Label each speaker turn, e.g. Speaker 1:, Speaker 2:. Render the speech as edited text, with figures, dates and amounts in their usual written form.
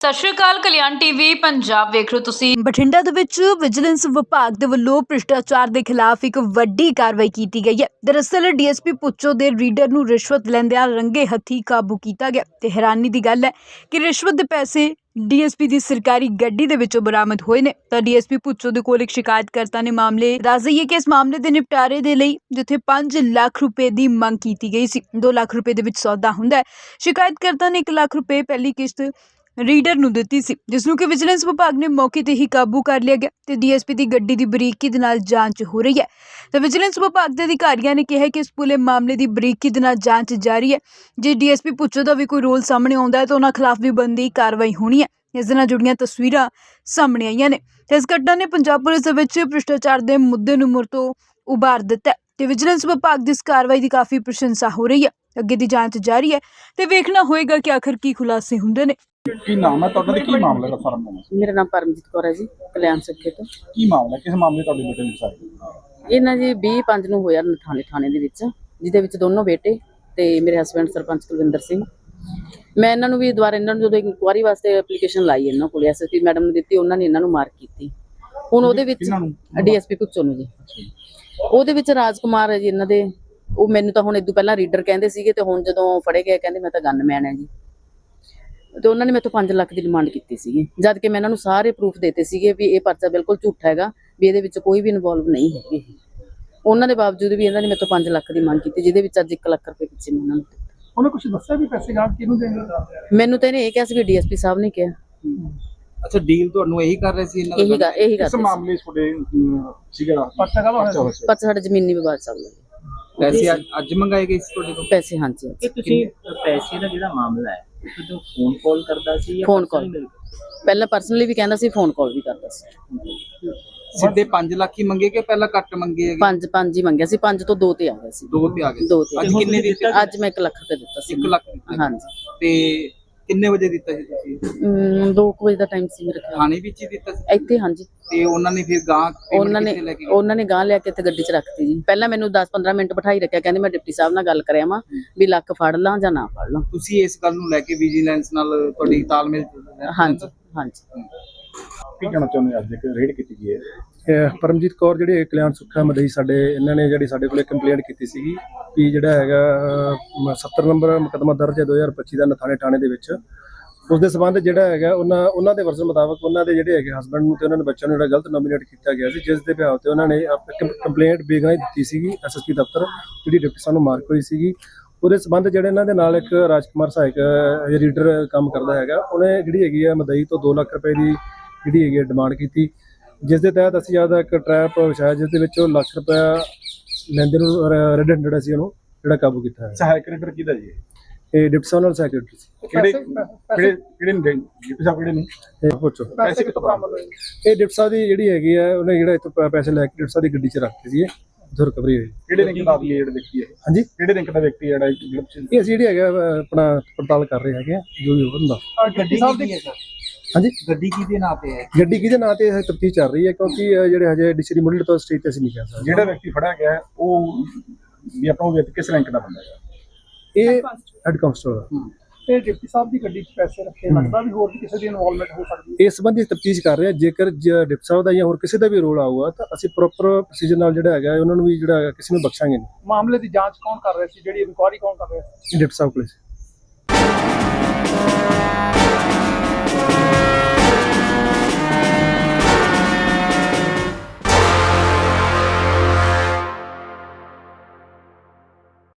Speaker 1: ਸਤਿ ਸ਼੍ਰੀ ਅਕਾਲ। ਕਲਿਆਣ ਟੀਵੀ ਪੰਜਾਬ ਵੇਖ ਰਹੇ ਹੋ ਤੁਸੀਂ।
Speaker 2: ਬਠਿੰਡਾ ਦੇ ਵਿੱਚ ਵਿਜੀਲੈਂਸ ਵਿਭਾਗ ਦੇ ਵੱਲੋਂ ਭ੍ਰਿਸ਼ਟਾਚਾਰ ਦੇ ਖਿਲਾਫ ਇੱਕ ਵੱਡੀ ਕਾਰਵਾਈ ਕੀਤੀ ਗਈ ਹੈ। ਦਰਅਸਲ ਡੀਐਸਪੀ ਪੁੱਚੋ ਦੇ ਰੀਡਰ ਨੂੰ ਰਿਸ਼ਵਤ ਲੈਂਦਿਆਂ ਰੰਗੇ ਹੱਥੀਂ ਕਾਬੂ ਕੀਤਾ ਗਿਆ ਤੇ ਹੈਰਾਨੀ ਦੀ ਗੱਲ ਹੈ ਕਿ ਰਿਸ਼ਵਤ ਦੇ ਪੈਸੇ ਡੀਐਸਪੀ ਦੀ ਸਰਕਾਰੀ ਗੱਡੀ ਦੇ ਵਿੱਚੋਂ ਬਰਾਮਦ ਹੋਏ ਨੇ। ਤਾਂ ਡੀਐਸਪੀ ਪੁੱਚੋ ਦੇ ਕੋਲ ਇੱਕ ਸ਼ਿਕਾਇਤਕਰਤਾ ਨੇ ਮਾਮਲੇ ਦੱਸ ਦਈਏ ਕਿ ਇਸ ਮਾਮਲੇ ਦੇ ਨਿਪਟਾਰੇ ਦੇ ਲਈ ਜਿੱਥੇ 5 ਲੱਖ ਰੁਪਏ ਦੀ ਮੰਗ ਕੀਤੀ ਗਈ ਸੀ, 2 ਲੱਖ ਰੁਪਏ ਦੇ ਵਿੱਚ ਸੌਦਾ ਹੁੰਦਾ ਹੈ। ਸ਼ਿਕਾਇਤਕਰਤਾ ਨੇ 1 ਲੱਖ ਰੁਪਏ ਪਹਿਲੀ ਕਿਸ਼ਤ ਰੀਡਰ ਨੂੰ ਦਿੱਤੀ ਸੀ, ਜਿਸ ਨੂੰ ਕਿ ਵਿਜੀਲੈਂਸ ਵਿਭਾਗ ਨੇ ਮੌਕੇ ਤੇ ਹੀ ਕਾਬੂ ਕਰ ਲਿਆ ਗਿਆ ਤੇ ਡੀਐਸਪੀ ਦੀ ਗੱਡੀ ਦੀ ਬਰੀਕੀ ਦੇ ਨਾਲ ਜਾਂਚ ਹੋ ਰਹੀ ਹੈ। ਤੇ ਵਿਜੀਲੈਂਸ ਵਿਭਾਗ ਦੇ ਅਧਿਕਾਰੀਆਂ ਨੇ ਕਿਹਾ ਕਿ ਇਸ ਪੂਰੇ ਮਾਮਲੇ ਦੀ ਬਰੀਕੀ ਦੇ ਨਾਲ ਜਾਂਚ ਜਾਰੀ ਹੈ। ਜੇ ਡੀਐਸਪੀ ਪੁੱਛੋ ਦਾ ਵੀ ਕੋਈ ਰੋਲ ਸਾਹਮਣੇ ਆਉਂਦਾ ਹੈ ਤਾਂ ਉਹਨਾਂ ਖਿਲਾਫ ਵੀ ਬਣਦੀ ਕਾਰਵਾਈ ਹੋਣੀ ਹੈ। ਇਸ ਦੇ ਨਾਲ ਜੁੜੀਆਂ ਤਸਵੀਰਾਂ ਸਾਹਮਣੇ ਆਈਆਂ ਨੇ ਤੇ ਇਸ ਘਟਨਾ ਨੇ ਪੰਜਾਬ ਪੁਲਿਸ ਦੇ ਵਿੱਚ ਭ੍ਰਿਸ਼ਟਾਚਾਰ ਦੇ ਮੁੱਦੇ ਨੂੰ ਮੁੜ ਤੋਂ ਉਭਾਰ ਦਿੱਤਾ ਤੇ ਵਿਜੀਲੈਂਸ ਵਿਭਾਗ ਦੀ ਇਸ ਕਾਰਵਾਈ ਦੀ ਕਾਫੀ ਪ੍ਰਸ਼ੰਸਾ ਹੋ ਰਹੀ ਹੈ। ਅੱਗੇ ਦੀ ਜਾਂਚ ਜਾਰੀ ਹੈ ਤੇ ਵੇਖਣਾ ਹੋਏਗਾ ਕਿ ਆਖਰ ਕੀ ਖੁਲਾਸੇ ਹੁੰਦੇ ਨੇ।
Speaker 3: ਕੀ ਨਾਮ ਹੈ ਤੁਹਾਡਾ ਤੇ ਕੀ ਮਾਮਲਾ ਹੈ ਸਾਰਾ ਮਾਮਲਾ?
Speaker 4: ਮੇਰਾ ਨਾਮ ਪਰਮਜੀਤ ਕੌਰ ਹੈ ਜੀ, ਕਲਿਆਣ ਸਿੱਖੇ ਤੋਂ।
Speaker 3: ਕੀ ਮਾਮਲਾ ਕਿਸ ਮਾਮਲੇ ਤੁਹਾਡੇ ਬੇਟੇ ਨੂੰ ਸਾਈ?
Speaker 4: ਇਹਨਾਂ ਜੀ 20/5 ਨੂੰ ਹੋਇਆ ਥਾਣੇ ਦੇ ਵਿੱਚ, ਜਿਹਦੇ ਵਿੱਚ ਦੋਨੋਂ ਬੇਟੇ ਤੇ ਮੇਰੇ ਹਸਬੈਂਡ ਸਰਪੰਚ ਕੁਲਵਿੰਦਰ ਸਿੰਘ। ਮੈਂ ਇਹਨਾਂ ਨੂੰ ਵੀ ਦੁਬਾਰਾ ਇਹਨਾਂ ਨੂੰ ਜਦੋਂ ਇਨਕੁਆਰੀ ਵਾਸਤੇ ਐਪਲੀਕੇਸ਼ਨ ਲਾਈ ਇਹਨਾਂ ਕੋਲ ਐਸਐਸਪੀ ਮੈਡਮ ਨੂੰ ਦਿੱਤੀ, ਉਹਨਾਂ ਨੇ ਇਹਨਾਂ ਨੂੰ ਮਾਰਕ ਕੀਤੀ। ਹੁਣ ਉਹਦੇ ਵਿੱਚ ਡੀਐਸਪੀ ਪੁੱਛੋ ਨੂੰ ਜੀ, ਉਹਦੇ ਵਿੱਚ ਰਾਜਕੁਮਾਰ ਹੈ ਜੀ ਇਹਨਾਂ ਦੇ। ਉਹ ਮੈਨੂੰ ਤਾਂ ਹੁਣ ਇਦੋਂ ਪਹਿਲਾਂ ਰੀਡਰ ਕਹਿੰਦੇ ਸੀਗੇ ਤੇ ਹੁਣ ਜਦੋਂ ਫੜੇ ਗਏ ਕਹਿੰਦੇ ਮੈਂ ਤਾਂ ਗਨਮੈਨ ਹੈ ਜੀ। ਤੇ ਉਹਨਾਂ ਨੇ ਮੈਥੋਂ 5 ਲੱਖ ਦੀ ਡਿਮਾਂਡ ਕੀਤੀ ਸੀਗੀ, ਜਦ ਕਿ ਮੈਂ ਇਹਨਾਂ ਨੂੰ ਸਾਰੇ ਪ੍ਰੂਫ ਦਿੱਤੇ ਸੀਗੇ ਵੀ ਇਹ ਪਰਚਾ ਬਿਲਕੁਲ ਝੂਠਾ ਹੈਗਾ, ਵੀ ਇਹਦੇ ਵਿੱਚ ਕੋਈ ਵੀ ਇਨਵੋਲਵ ਨਹੀਂ ਹੈਗੀ। ਉਹਨਾਂ ਦੇ ਬਾਵਜੂਦ ਵੀ ਇਹਨਾਂ ਨੇ ਮੈਥੋਂ 5 ਲੱਖ ਦੀ ਮੰਗ ਕੀਤੀ, ਜਿਹਦੇ ਵਿੱਚ ਅੱਜ 1 ਲੱਖ ਰੁਪਏ ਪਿੱਛੇ ਮੈਂ ਉਹਨਾਂ ਨੂੰ ਦਿੱਤਾ।
Speaker 3: ਉਹਨੇ ਕੁਝ ਦੱਸਿਆ ਵੀ ਪੈਸੇ ਗਾਂ ਕਿਹਨੂੰ ਦੇਣਗੇ?
Speaker 4: ਮੈਨੂੰ ਤਾਂ ਇਹਨੇ ਇਹ ਕਿਹਾ ਸੀ ਵੀ ਡੀਐਸਪੀ ਸਾਹਿਬ ਨੇ ਕਿਹਾ।
Speaker 5: ਅੱਛਾ, ਡੀਲ ਤੁਹਾਨੂੰ ਇਹੀ ਕਰ ਰਹੇ ਸੀ ਇਹਨਾਂ
Speaker 4: ਇਹੀ ਗੱਲ
Speaker 3: ਇਸ ਮਾਮਲੇ ਤੁਹਾਡੇ ਸੀਗਾ ਪਰਚਾ ਕਾ ਹੋਇਆ?
Speaker 4: ਪਰਚਾ ਸਾਡਾ ਜ਼ਮੀਨੀ ਵਿਵਾਦ ਚੱਲਦਾ।
Speaker 5: ਪੈਸੇ ਅੱਜ ਮੰਗਾਏ ਗਏ ਸੀ ਤੁਹਾਡੇ ਤੋਂ?
Speaker 4: ਪੈਸੇ ਹਾਂਜੀ।
Speaker 6: ਕਿ ਤੁਸੀਂ ਪੈਸੇ ਦਾ ਜਿਹੜਾ ਮਾਮਲਾ ਹੈ ਜਦੋਂ ਫੋਨ ਕਾਲ ਕਰਦਾ ਸੀ ਜਾਂ
Speaker 4: ਫੋਨ ਕਾਲ ਪਹਿਲਾਂ ਪਰਸਨਲੀ ਵੀ ਕਹਿੰਦਾ ਸੀ, ਫੋਨ ਕਾਲ ਵੀ ਕਰਦਾ ਸੀ।
Speaker 5: ਸਿੱਧੇ 5 ਲੱਖ ਹੀ ਮੰਗੇ ਕਿ ਪਹਿਲਾਂ ਘੱਟ ਮੰਗੇ ਹੈਗੇ?
Speaker 4: 5 ਹੀ ਮੰਗਿਆ ਸੀ, 5 ਤੋਂ 2 ਤੇ ਆ ਗਿਆ ਸੀ।
Speaker 5: 2 ਤੇ ਆ ਗਏ।
Speaker 4: 2 ਤੇ
Speaker 5: ਅੱਜ ਕਿੰਨੇ ਦਿੱਤੇ?
Speaker 4: ਅੱਜ ਮੈਂ 1 ਲੱਖ ਰੁਪਏ ਦਿੱਤਾ ਸੀ।
Speaker 5: 1 ਲੱਖ ਦਿੱਤਾ?
Speaker 4: ਹਾਂਜੀ।
Speaker 5: ਤੇ ਕਿੰਨੇ ਵਜੇ ਦਿੱਤਾ ਸੀ ਤੁਸੀਂ?
Speaker 4: 2 ਵਜੇ ਦਾ ਟਾਈਮ ਸੀ ਮੇਰੇ ਖਿਆਲ।
Speaker 5: ਥਾਣੇ ਵਿੱਚ ਹੀ ਦਿੱਤਾ ਸੀ
Speaker 4: ਇੱਥੇ ਹਾਂਜੀ।
Speaker 5: ਤੇ ਉਹਨਾਂ ਨੇ ਫਿਰ ਗਾਂ
Speaker 4: ਉਹਨਾਂ ਨੇ ਗਾਂ ਲਿਆ ਕੇ ਇੱਥੇ ਗੱਡੀ 'ਚ ਰੱਖਤੀ ਜੀ। ਪਹਿਲਾਂ ਮੈਨੂੰ 10-15 ਮਿੰਟ ਬਿਠਾਈ ਰੱਖਿਆ, ਕਹਿੰਦੇ ਮੈਂ ਡਿਪਟੀ ਸਾਹਿਬ ਨਾਲ ਗੱਲ ਕਰਿਆ ਵਾਂ ਵੀ ਲੱਖ ਫੜ ਲਾਂ ਜਾਂ ਨਾ ਫੜ ਲਾਂ।
Speaker 5: ਤੁਸੀਂ ਇਸ ਗੱਲ ਨੂੰ ਲੈ ਕੇ ਵਿਜੀਲੈਂਸ ਨਾਲ ਤੁਹਾਡੀ ਤਾਲਮੇਲ?
Speaker 4: ਹਾਂਜੀ ਹਾਂਜੀ।
Speaker 3: ਕੀ ਕਹਿਣਾ ਚਾਹੁੰਦੇ? ਅੱਜ ਇੱਕ ਰੇਡ ਕੀਤੀ ਗਈ ਹੈ।
Speaker 7: ਪਰਮਜੀਤ ਕੌਰ ਜਿਹੜੇ ਕਲਿਆਣ ਸੁੱਖਾ ਮਦਈ ਸਾਡੇ ਇਹਨਾਂ ਨੇ ਜਿਹੜੀ ਸਾਡੇ ਕੋਲੇ ਕੰਪਲੇਂਟ ਕੀਤੀ ਸੀਗੀ ਕਿ ਜਿਹੜਾ ਹੈਗਾ 70 ਨੰਬਰ ਮੁਕੱਦਮਾ ਦਰਜ ਹੈ 2025 ਦਾ ਨਥਾਣੇ ਥਾਣੇ ਦੇ ਵਿੱਚ। ਉਸ ਦੇ ਸਬੰਧ ਜਿਹੜਾ ਹੈਗਾ ਉਹਨਾਂ ਦੇ ਵਰਜ਼ਨ ਮੁਤਾਬਕ ਉਹਨਾਂ ਦੇ ਜਿਹੜੇ ਹੈਗੇ ਹਸਬੈਂਡ ਨੂੰ ਤੇ ਉਹਨਾਂ ਦੇ ਬੱਚਿਆਂ ਨੂੰ ਜਿਹੜਾ ਗਲਤ ਨੋਮੀਨੇਟ ਕੀਤਾ ਗਿਆ ਸੀ, ਜਿਸ ਦੇ ਬਿਹਾਫ ਤੇ ਉਹਨਾਂ ਨੇ ਕੰਪਲੇਂਟ ਬੇਗਾਈ ਦਿੱਤੀ ਸੀਗੀ ਐਸਐਸਪੀ ਦਫ਼ਤਰ, ਜਿਹੜੀ ਡਿਪਟੀ ਸਾਹਿਬ ਨੂੰ ਮਾਰਕ ਹੋਈ ਸੀਗੀ। ਉਹਦੇ ਸਬੰਧ ਜਿਹੜੇ ਇਹਨਾਂ ਦੇ ਨਾਲ ਇੱਕ ਰਾਜਕੁਮਾਰ ਸਹਾਇਕ ਰੀਡਰ ਕੰਮ ਕਰਦਾ ਹੈਗਾ, ਉਹਨੇ ਜਿਹੜੀ ਹੈਗੀ ਆ ਮਦਈ ਤੋਂ 2 ਲੱਖ ਰੁਪਏ ਦੀ ਜਿਹੜੀ ਹੈਗੀ ਡਿਮਾਂਡ ਕੀਤੀ, ਜਿਸ ਦੇ ਤਹਿਤ ਅਸੀਂ ਆਪਦਾ ਇੱਕ ਟਰੈਪ ਵਿਛਾਇਆ, ਜਿਸ ਦੇ ਵਿੱਚ ਉਹ ਲੱਖ ਰੁਪਇਆ ਲੈਂਦੇ ਨੂੰ ਰੈਡ ਹੈਂਡਡ ਅਸੀਂ ਉਹਨੂੰ ਜਿਹੜਾ ਕਾਬੂ ਕੀਤਾ ਹੈ।
Speaker 3: ਸਹਾਇਕ ਰੀਡਰ ਕਿਹਦਾ ਜੀ?
Speaker 7: ਇਹ ਡਿਪਟੀ ਸੈਕਟਰੀ ਸੀ।
Speaker 3: ਕਿਹੜੇ ਡਿਪਟੀ ਸਾਹਿਬ ਕਿਹੜੇ ਨੇ?
Speaker 7: ਇਹ ਪੁੱਛੋ
Speaker 3: ਪੈਸੇ ਕਿੱਥੋਂ ਬਰਾਮਦ ਹੋਏ?
Speaker 7: ਇਹ ਡਿਪਟੀ ਸਾਹਿਬ ਦੀ ਜਿਹੜੀ ਹੈਗੀ ਆ, ਉਹਨੇ ਜਿਹੜਾ ਇੱਥੋਂ ਪੈਸੇ ਲੈ ਕੇ ਡਿਪਟੀ ਸਾਹਿਬ ਦੀ ਗੱਡੀ 'ਚ ਰੱਖਤੇ ਸੀ, ਇੱਥੋਂ ਰਿਕਵਰੀ ਹੋਈ।
Speaker 3: ਕਿਹੜੇ ਰਿੰਕ ਦਾ ਜਿਹੜਾ ਵਿਅਕਤੀ ਹੈ?
Speaker 7: ਹਾਂਜੀ,
Speaker 3: ਕਿਹੜੇ ਰਿੰਕ ਦਾ ਵਿਅਕਤੀ ਜਿਹੜਾ
Speaker 7: ਇਹ ਅਸੀਂ ਜਿਹੜੀ ਹੈਗਾ ਆਪਣਾ ਪੜਤਾਲ ਕਰ ਰਹੇ ਹੈਗੇ ਆ, ਜੋ ਵੀ ਹੁੰਦਾ।
Speaker 6: ਗੱਡੀ ਸਾਹਿਬ ਦੀ
Speaker 7: ਹਾਂਜੀ,
Speaker 5: ਗੱਡੀ ਕਿਹਦੇ ਨਾਂ ਤੇ ਹੈ?
Speaker 7: ਗੱਡੀ ਕਿਹਦੇ ਨਾਂ ਤੇ ਤਫਤੀਸ਼ ਚੱਲ ਰਹੀ ਹੈ, ਕਿਉਂਕਿ ਜਿਹੜੇ ਹਜੇ ਡਿਸਟ੍ਰਿਕਟ ਮੁੱਢਲੇ ਤੋਂ ਸਟੇਜ ਤੇ ਅਸੀਂ ਨਹੀਂ ਕਹਿ ਸਕਦੇ।
Speaker 3: ਜਿਹੜਾ ਵਿਅਕਤੀ ਫੜਿਆ ਗਿਆ ਉਹ ਵੀ ਆਪਣਾ ਵਿਅਕਤੀ ਕਿਸ ਰੈਂਕ ਦਾ ਬੰਦਾ ਹੈ?
Speaker 7: ਇਹ ਹੈਡ ਕਾਂਸਟੇਬਲ।
Speaker 3: ਤੇ ਡਿਪਟੀ ਸਾਹਿਬ ਦੀ ਗੱਡੀ 'ਚ ਪੈਸੇ ਰੱਖੇ, ਲੱਗਦਾ ਵੀ ਹੋਰ ਵੀ ਕਿਸੇ ਦੀ ਇਨਵੋਲਵਮੈਂਟ ਹੋ ਸਕਦੀ ਹੈ।
Speaker 7: ਇਸ ਸੰਬੰਧੀ ਤਫਤੀਸ਼ ਕਰ ਰਹੇ ਹਾਂ। ਜੇਕਰ ਡਿਪਟੀ ਸਾਹਿਬ ਦਾ ਜਾਂ ਹੋਰ ਕਿਸੇ ਦਾ ਵੀ ਰੋਲ ਆਊਗਾ ਤਾਂ ਅਸੀਂ ਪ੍ਰੋਪਰ ਪ੍ਰੋਸੀਜਰ ਨਾਲ ਜਿਹੜਾ ਹੈਗਾ ਉਹਨਾਂ ਨੂੰ ਵੀ ਜਿਹੜਾ ਕਿਸੇ ਨੂੰ ਬਖਸ਼ਾਂਗੇ ਨਹੀਂ।
Speaker 3: ਮਾਮਲੇ ਦੀ ਜਾਂਚ ਕੌਣ ਕਰ ਰਿਹਾ ਸੀ? ਜਿਹੜੀ ਇਨਕੁਆਰੀ ਕੌਣ ਕਰ ਰਿਹਾ ਸੀ?
Speaker 7: ਡਿਪਟੀ ਸਾਹਿਬ ਕੋਲ।